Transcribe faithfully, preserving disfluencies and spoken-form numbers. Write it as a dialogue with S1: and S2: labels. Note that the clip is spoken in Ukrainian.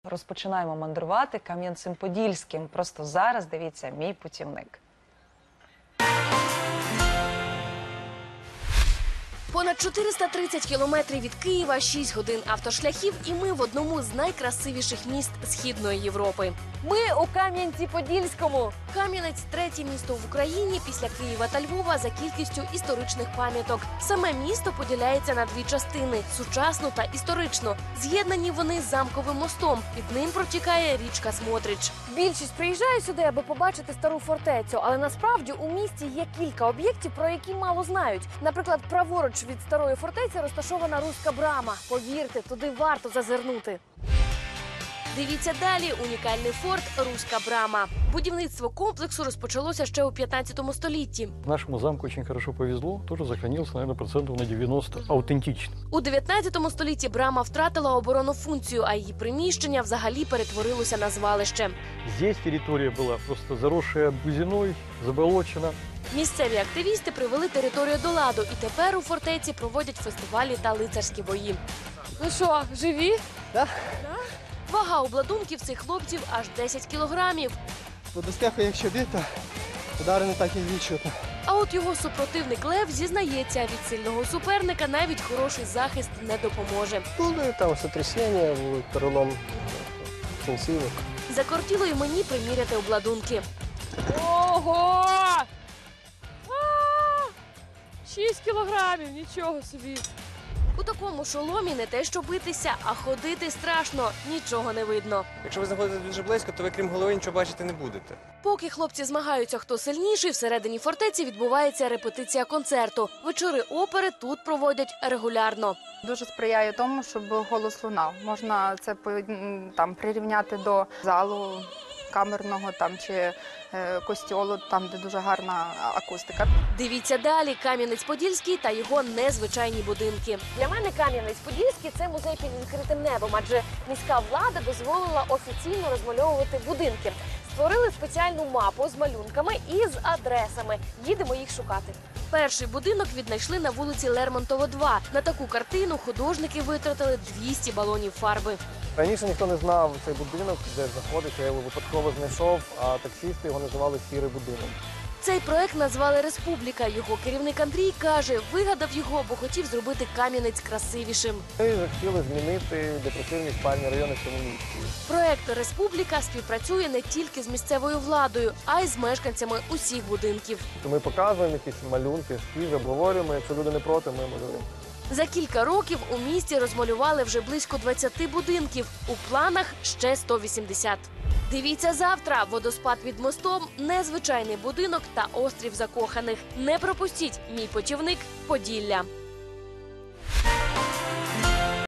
S1: Розпочинаємо мандрувати Кам'янцем-Подільським. Просто зараз дивіться «Мій путівник».
S2: Понад чотириста тридцять кілометрів від Києва, шість годин автошляхів, і ми в одному з найкрасивіших міст Східної Європи.
S3: Ми у Кам'янці-Подільському.
S2: Кам'янець – третє місто в Україні після Києва та Львова за кількістю історичних пам'яток. Саме місто поділяється на дві частини – сучасну та історичну. З'єднані вони замковим мостом. Під ним протікає річка Смотрич.
S3: Більшість приїжджає сюди, аби побачити стару фортецю. Але насправді у місті є кілька об'єктів, про які мало знають. Наприклад, праворуч від старої фортеці розташована Руська брама. Повірте, туди варто зазирнути.
S2: Дивіться далі. Унікальний форт «Руська брама». Будівництво комплексу розпочалося ще у п'ятнадцятому столітті.
S4: Нашему замку очень хорошо повезло. Тоже сохранился, наверное, процентов на девяносто аутентично.
S2: У дев'ятнадцятому столітті брама втратила оборонну функцію, а її приміщення взагалі перетворилося на звалище.
S4: Здесь территория была просто заросшая бузиной, заболочена.
S2: Місцеві активісти привели територію до ладу, і тепер у фортеці проводять фестивалі та лицарські бої.
S3: Ну що, живі?
S5: Так.
S2: Вага обладунків цих хлопців аж десять кілограмів.
S5: До доспеху, якщо бити, удари не так і відчутно.
S2: А от його супротивник Лев зізнається, від сильного суперника навіть хороший захист не допоможе.
S5: Були там сотрясіння, були перелом кінцівок.
S2: Закортіло й мені приміряти обладунки.
S3: Ого! Шість кілограмів, нічого собі.
S2: У такому шоломі не те що битися, а ходити страшно, нічого не видно.
S6: Якщо ви знаходитесь дуже близько, то ви крім голови нічого бачити не будете.
S2: Поки хлопці змагаються, хто сильніший, всередині фортеці відбувається репетиція концерту. Вечори опери тут проводять регулярно.
S7: Дуже сприяє тому, щоб голос лунав. Можна це по- м, там прирівняти до залу камерного там чи е, костьолу, там де дуже гарна акустика.
S2: Дивіться далі. Кам'янець-Подільський та його незвичайні будинки.
S3: Для мене Кам'янець-Подільський – це музей під відкритим небом, адже міська влада дозволила офіційно розмальовувати будинки. Створили спеціальну мапу з малюнками і з адресами. Їдемо їх шукати.
S2: Перший будинок віднайшли на вулиці Лермонтова, два. На таку картину художники витратили двісті балонів фарби.
S5: Раніше ніхто не знав цей будинок, де знаходиться, я його випадково знайшов, а таксисти його називали «Сірий будинок».
S2: Цей проект назвали «Республіка». Його керівник Андрій каже, вигадав його, бо хотів зробити Кам'янець красивішим.
S5: Ми захотіли змінити депресивні спальні райони в цьому місті.
S2: Проект «Республіка» співпрацює не тільки з місцевою владою, а й з мешканцями усіх будинків.
S5: Ми показуємо якісь малюнки, ескізи, обговорюємо, якщо люди не проти, ми малюємо.
S2: За кілька років у місті розмалювали вже близько двадцяти будинків. У планах ще сто вісімдесят. Дивіться завтра. Водоспад під мостом, незвичайний будинок та острів закоханих. Не пропустіть «Мій путівник. Поділля».